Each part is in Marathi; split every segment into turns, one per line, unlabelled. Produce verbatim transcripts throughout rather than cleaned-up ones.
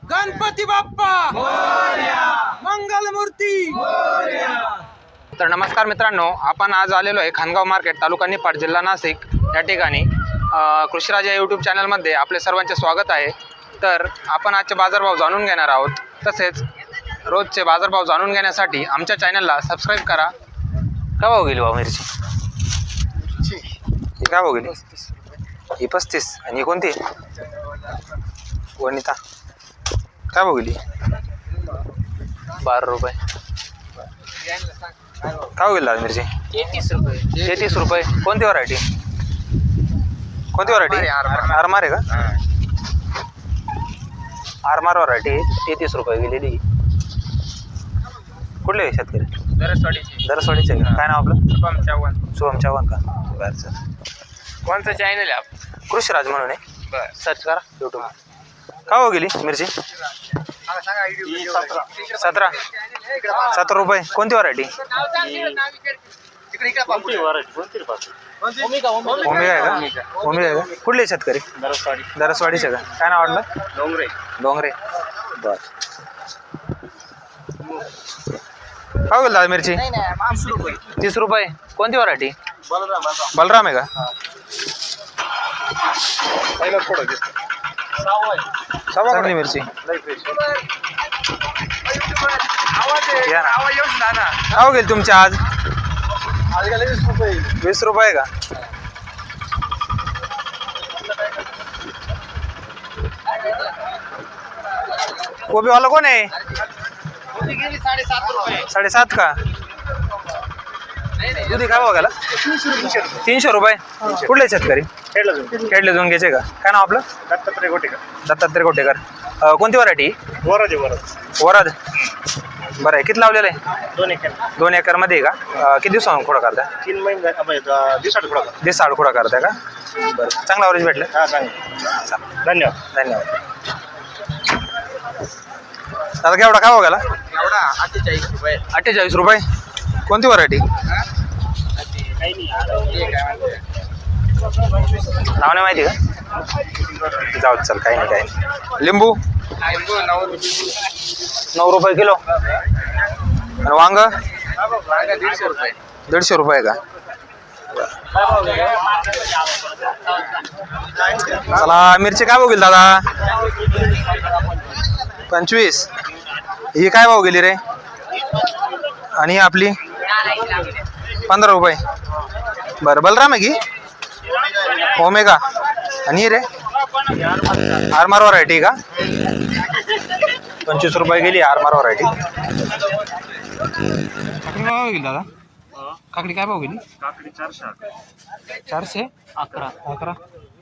गणपती बाप्पा मंगलमूर्ती.
तर नमस्कार मित्रांनो, आपण आज आलेलो आहे खानगाव मार्केट, तालुका निफाड, जिल्हा नाशिक या ठिकाणी. कृषीराज या यूट्यूब चॅनलमध्ये आपले सर्वांचे स्वागत आहे. तर आपण आजचे बाजारभाव जाणून घेणार आहोत. तसेच रोजचे बाजारभाव जाणून घेण्यासाठी आमच्या चॅनलला सबस्क्राईब करा. काय भाव गेली भाऊ मिरची? ही काय भाव गेली? ही पस्तीस. आणि ही कोणती? वनिता. काय भाव गेली? बारा रुपये. काय गेली लाल मिरची?
तेहतीस रुपये.
तेहतीस रुपये. कोणती व्हरायटी? कोणती व्हरायटी? आरमार आहे का? आरमार व्हरायटी तेहतीस रुपये गेलेली. कुठले शेतकरी?
दरसवाडीची.
दरसवाडीचे का? काय नाव आपलं?
शुभम चव्हाण.
शुभम चव्हाण का? बरं सर.
कोणतं चॅनल आहे आपण?
कृषीराज म्हणून आहे.
बरं.
सर्च करा यूट्यूब. काय हो गेली मिरची? सतरा. सतरा रुपये. कोणती व्हरायटी? ओमिगा आहे का? ओमिगा आहे का? कुठले शेतकरी? दरसवाडीचे का? काय नाव वाटलं?
डोंगरे.
डोंगरे. बर. काय गेलं दादा मिरची? तीस रुपये. कोणती व्हरायटी? बलराम आहे का? चांगली मिरची. काय गेली तुमची आज? वीस रुपये का? कोबीवाला कोण आहे? साडेसात का? दुधी काय बघायला? तीनशे रुपये. कुठले शेतकरी? खेडले जोंगेचे का? काय नाव आपलं?
दत्तात्रय गोटेकर.
दत्तात्रय गोटेकर. कोणती व्हरायटी?
वराज वराज
वराद. बरं आहे. किती लावलेलं आहे?
दोन एकर.
दोन एकर मध्ये आहे का? किती दिवसांना खोडा करताय?
तीन महिने दिवसात थोडा
दिवस आड खोडा करताय का? बरं. चांगला अवरेज भेटलं.
हा चांगलं. धन्यवाद.
धन्यवाद. दादा केवढा काय बघायला?
एवढा अठ्ठेचाळीस रुपये.
अठ्ठेचाळीस रुपये. कोणती व्हरायटी? नाव नाही माहिती का? जाऊ चल, काही नाही काही नाही. लिंबू नऊ रुपये किलो. आणि वांग?
दीडशे रुपये.
दीडशे रुपये का? चला मिरची काय भाव गेली दादा? पंचवीस. ही काय भाव गेली रे? आणि आपली पंधरा रुपये. बरं. बलराम आहे की? ओमेगा. आणि रे आरमार व्हरायटी का? पंचवीस रुपये गेली आरमार व्हरायटी. काकडी काय भाव गेली दादा? काकडी काय भाव गेली?
काकडी चारशे.
चारशे अकरा. अकरा.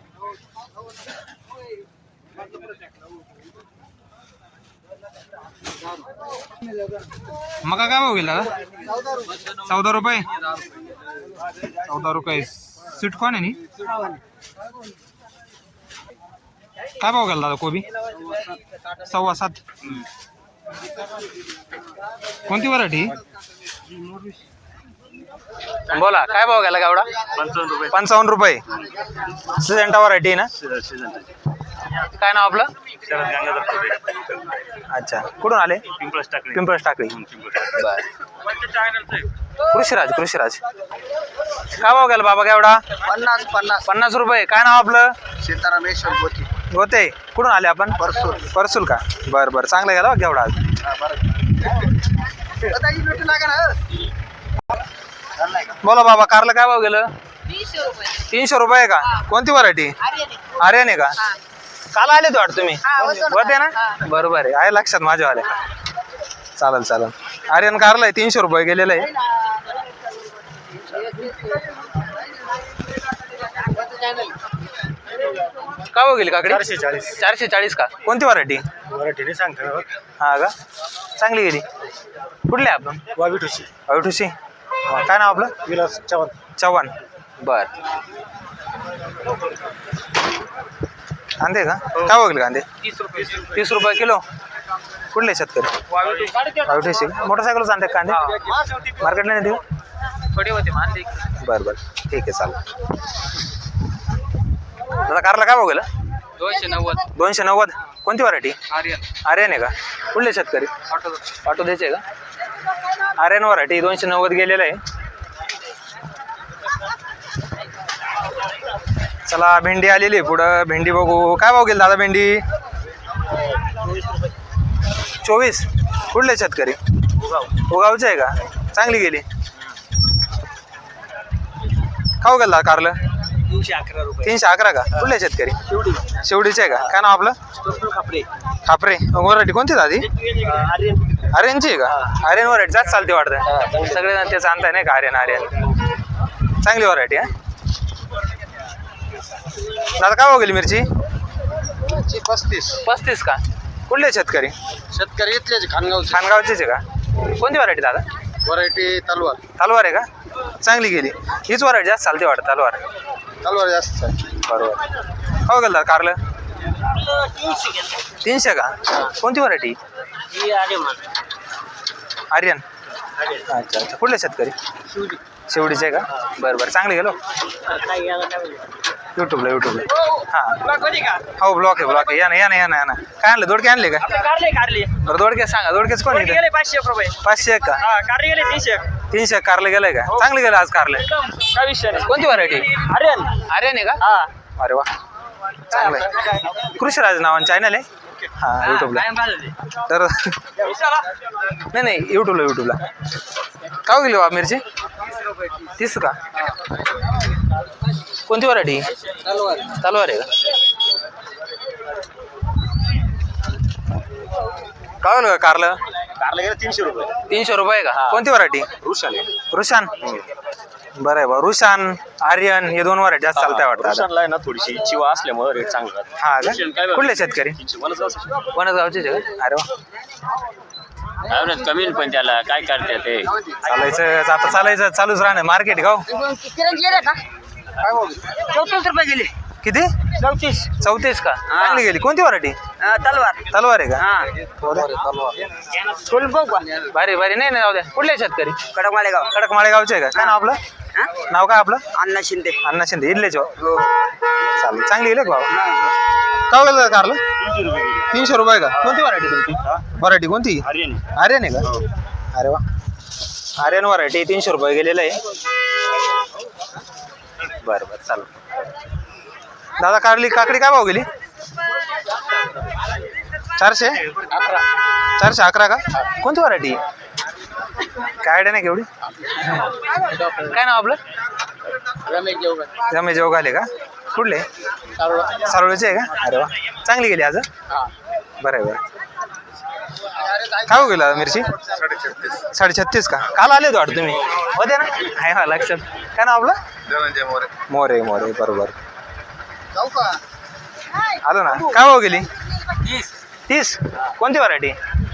मका काय भाव गेला दादा? चौदा रुपये. चौदा रुपये. सीट कोण आहे नी? काय भाव गेला दादा कोबी? सव्वा सात. कोणती व्हरायटी? बोला काय भाव गेला गावडा?
पंचावन्न रुपये.
पंचावन्न रुपये. सिजेंटा व्हरायटी ना? काय नाव आपलं?
शरद गंगाधर चौधरी.
अच्छा. कुठून आले?
पिंपळस टाकली.
पिंपळस टाकळी. बर. कृषीराज. कृषीराज. काय भाव गेला बाबा केवढा?
पन्नास पन्नास.
पन्नास रुपये. काय नाव आपलं?
सीताराम गोटी.
होते. कुठून आले आपण?
परसूल.
परसूल का? बरं बरं. चांगलं गेला केवढा आज? बोला बाबा, कारला काय भाव गेलं? तीनशे रुपये का? कोणती व्हरायटी? आर्यन आहे का? काल आले तो वाटतं तुम्ही? होते ना? बरोबर आहे. आहे लक्षात माझ्या आले. चालेल चालेल. आर्यन कारला आहे. तीनशे रुपये गेलेलं आहे. काय भाव गेली काकडी?
चारशे चाळीस.
चारशे चाळीस का? कोणती व्हरायटी?
वराठीने सांगता.
हा का? चांगली गेली. कुठले आपण?
वावी ठुशी.
अवठुशी. काय नाव आपलं?
विलास चव्हाण.
चव्हाण. बर. कांदे का? काय बघले कांदे?
तीस रुपये.
तीस रुपये किलो. कुठले शेतकरी? अवठुशी. मोटरसायकल आणते कांदे? मार्केटला नाही देऊ?
थोडे होते मान.
बरं बरं ठीक आहे चालेल. दादा कारला काय भाव गेला?
दोनशे नव्वद
दोनशे नव्वद कोणती व्हरायटी?
आर्यन
आर्यन आहे का? कुठले शेतकरी?
ऑटो
ऑटो द्यायचे आहे का? आर्यन व्हरायटी दोनशे नव्वद गेलेलं आहे. चला भेंडी आलेली आहे पुढं. भेंडी बघू. काय भाव गेली दादा भेंडी? चोवीस. कुठले शेतकरी? उगावचे आहे का? चांगली गेली. खाऊ गेला कारलं?
तीनशे अकरा रुपये
तीनशे अकरा का? कुठले शेतकरी?
शेवटी
शेवडीचे आहे का? काय नाव आपलं?
खापरे
खापरे. व्हरायटी कोणती दादी?
आर्यन
आर्यनची आहे का? आर्यन व्हरायटी जास्त चालते वाटतं. सगळेजण तेच आणताय नाही का? आर्यन आर्यन चांगली व्हरायटी आहे. दादा काय भाव गेली मिरची?
पस्तीस.
पस्तीस का? कुठले शेतकरी?
शेतकरी इथलेच खानगावचे.
खानगावचेच आहे का? कोणती व्हरायटी दादा?
व्हरायटी तलवार.
तलवार आहे का? चांगली गेली. हीच व्हरायटी जास्त चालते वाटतं तलवार.
तलवार जास्त आहे.
बरोबर. हो गेलं कारलं? तीनशे का? कोणती व्हरायटी? आर्यन. अच्छा अच्छा. कुठले शेतकरी? शेवडीचे आहे का? बरं बरं. चांगली गेलो युट्यूबला युट्यूबला. हां हो ब्लॉक आहे ब्लॉक आहे. या ना या ना या ना या ना. काय आणलं? दोडके आणले का? बरं दोडके सांगा. दोडकेच कोण आहे?
पाचशे एक रुपये
पाचशे एक का?
कारले गेले तीनशे एक.
तीनशे कारले गेलंय का? चांगले गेलं आज कारले.
काय विषय नाही.
कोणती व्हरायटी?
आर्यन
आर्यन आहे का?
हा
अरे वा चांगलं आहे. कृषीराज नावानं चॅनल आहे. हां युट्यूबला. तर नाही नाही युट्यूबला युट्यूबला. का गेली बा मिरची? तीस का? कोणती व्हरायटी?
तलवार.
तलवार आहे का? काय होईल कारलं?
कारले गेले तीनशे रुपये.
तीनशे रुपये का? कोणती व्हरायटी?
रुशान
रुशान. बरं आहे बा. रुशान आर्यन हे दोन व्हरायटी जास्त चालताय वाटतं.
रुशानला आहे ना थोडीशी चिवा असल्यामुळे रेट चांगला राहतो.
हा का? कुठले शेतकरी? वनगावचेच आहे का? अरे वा
कमी पण त्याला काय करते ते
चालायचं आता चालायचं चालूच राहणार मार्केट गाव.
चौतीस रुपये गेली.
किती?
चौतीस.
चौतीस का? चांगली गेली. कोणती व्हरायटी?
तलवार.
तलवार आहे का?
फुल बघ
भारी भारी. नाही नाही जाऊ द्या. कुठले शेतकरी?
कडक मालेगाव.
कडक माळेगावचे आहे का? काय नाव आपलं? नाव काय आपलं?
अण्णा शिंदे.
अण्णा शिंदे इडलेच हो.
हो.
चालेल. चांगली गेली का बाबा? काय गेलं कारलं? तीनशे रुपये का? कोणती व्हरायटी तुमची? व्हरायटी कोणती?
आर्यन
आर्यन आहे का? अरे वा. आर्यन व्हरायटी तीनशे रुपये गेलेलं आहे. बरं बरं चालेल. दादा कारली काकडी काय भाव गेली? चारशे
अकरा.
चारशे अकरा का? कोणती व्हरायटी? काय आयडिया नाही केवढी. काय नाव आपलं?
रमेश जेवण.
रमेश जेवगाले का? कुठले? सारोळचे आहे का? अरे वा चांगली गेली आज. बरं आहे बरं. काय हो गेला मिरची? साडे छत्तीस का? काल आले वाटतं तुम्ही होते ना? आहे हा लक्षात. काय नाव आपलं?
धनंजय मोरे.
मोरे मोरे बरोबर.
जाऊ का?
आलो ना. काय भाव गेली? तीस. कोणती व्हरायटी?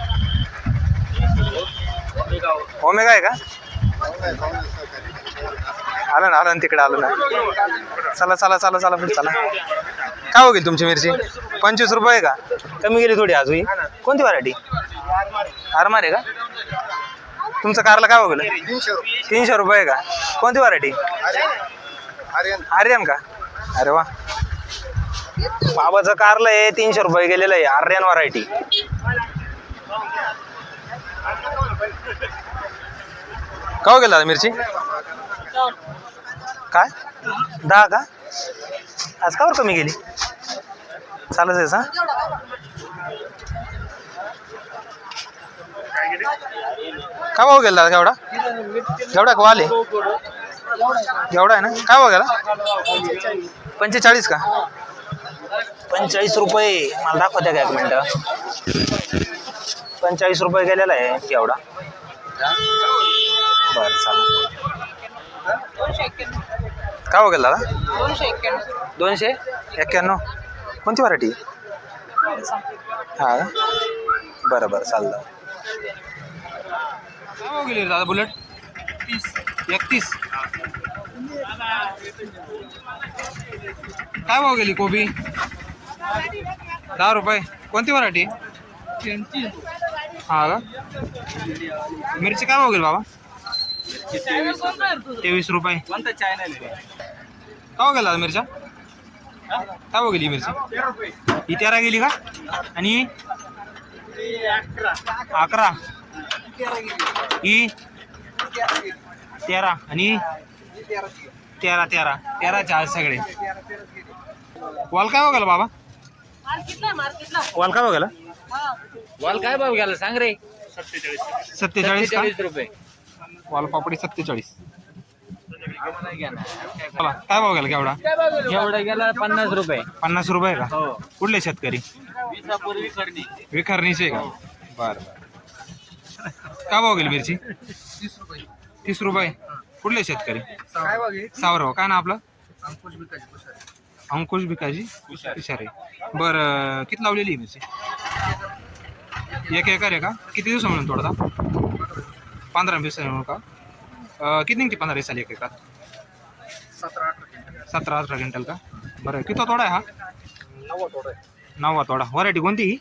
ओमेगा आहे का? आलं ना आलं ना तिकडे आलं ना. चला चला चला चला पण चला. काय हो गेली तुमची मिरची? पंचवीस रुपये का? कमी गेली थोडी अजून. कोणती व्हरायटी? आरमार आहे का? तुमचं कारला काय हो गेलं? तीनशे रुपये का? कोणती व्हरायटी?
आर्यन.
आर्यन का? अरे वा. बाबाचं कारलं आहे तीनशे रुपये गेलेलं आहे. आर्यन व्हरायटी. का हो गेला मिरची? काय दहा का? आज कावर कमी गेली? चालत आहे सा? काय भाव गेला एवढा? एवढा का वाले? एवढा आहे ना? काय भाव गेला? पंचेचाळीस का? पंचेचाळीस रुपये मला दाखवत्या का एक मिनटं? पंचेचाळीस रुपये गेलेला आहे एवढा. बरं चालेल. काय हो गेला दादा? दोनशे एक्क्याण्णव. कोणती व्हरायटी? हां बरं बरं चालतं. काय हो गेली दादा बुलेट? तीस. एकतीस. काय भाव गेली कोबी? दहा रुपये. कोणती व्हरायटी? हा का? मिरची काय भाव गेली बाबा? तेवीस रुपये.
कोणता चॅनल आहे?
काय गेला मिरच्या? काय भाव गेली मिरची? ही तेरा गेली का? आणि अकरा, ही तेरा आणि तेरा तेरा तेराचे आज सगळे. वाल काय बघायला बाबा? वाल काय बघायला?
वाल काय भाव गेला सांग रे?
सत्तेचाळीस का?
रुपये.
वाल पापडी सत्तेचाळीस. बोला काय भाव गेला केवढा?
एवढा गेला पन्नास रुपये.
पन्नास रुपये का?
हो.
कुठले शेतकरी?
विसापूर्वी करणी.
विखरणीचे का? बर बर. काय भाव गेली मिरची? तीस रुपये. कुठले शेतकरी? सावरव. काय ना आपलं? अंकुश भिकाजी विचारे. बरं किती लावलेली आहे मिरची? एक एकर आहे का? किती दिवस म्हणून तोडता? पंधरा वीस म्हणून का? अं, किती निघते पंधरा वीस साली एक एकर? सतरा अठरा क्विंटल का? बरं किती तोडा आहे हा? नववा तोडा. व्हरायटी कोणती ही?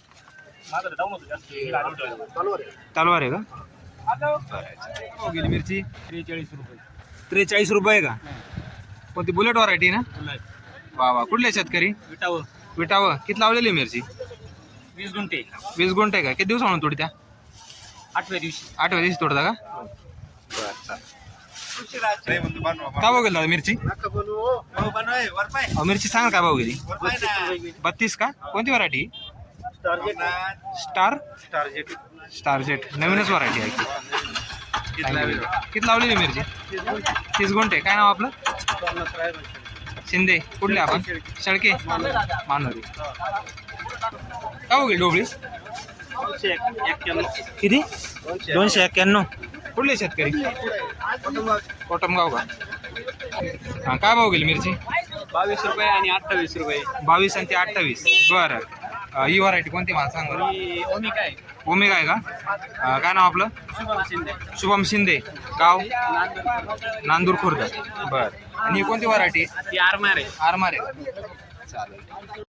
तलवार आहे का? हो गेली मिरची?
त्रेचाळीस रुपये.
त्रेचाळीस रुपये का? कोणती बुलेट व्हरायटी ना? वा वा. कुठले शेतकरी?
विटावर
विटावं. किती लावलेली आहे मिरची?
वीस गुंठे.
वीस गुंठे का? किती दिवस म्हणून तोडत्या?
आठव्या दिवशी.
आठव्या दिवशी तोडता का? काय भाव गेला दादा मिरची? अहो, मिरची सांगा काय भाव गेली? बत्तीस का? कोणती व्हरायटी? Star star jet. नवीनच व्हरायटी आहे की? किती लावलेली मिरची? तीस गुंठे. काय नाव आपलं? शिंदे. कुठले आपण? शेळके मानोरी. काय भाव गेली डोबळी? किती? दोनशे एक्क्याण्णव. कुठले शेतकरी? कोटमगाव का? हां काय भाव गेली मिरची?
बावीस रुपये आणि अठ्ठावीस रुपये.
बावीस आणि ते अठ्ठावीस. बरं. अं, ही व्हरायटी कोणती मला सांग बरं?
ओमिका आहे.
ओमेगा आहे का? अं, काय नाव आपलं?
शुभम शिंदे.
शुभम शिंदे. गाव?
नांदूर.
नांदूर खुर्द. बरं. आणि ही कोणती व्हरायटी?
ती आरमार आहे.
आरमार आहे. चालेल.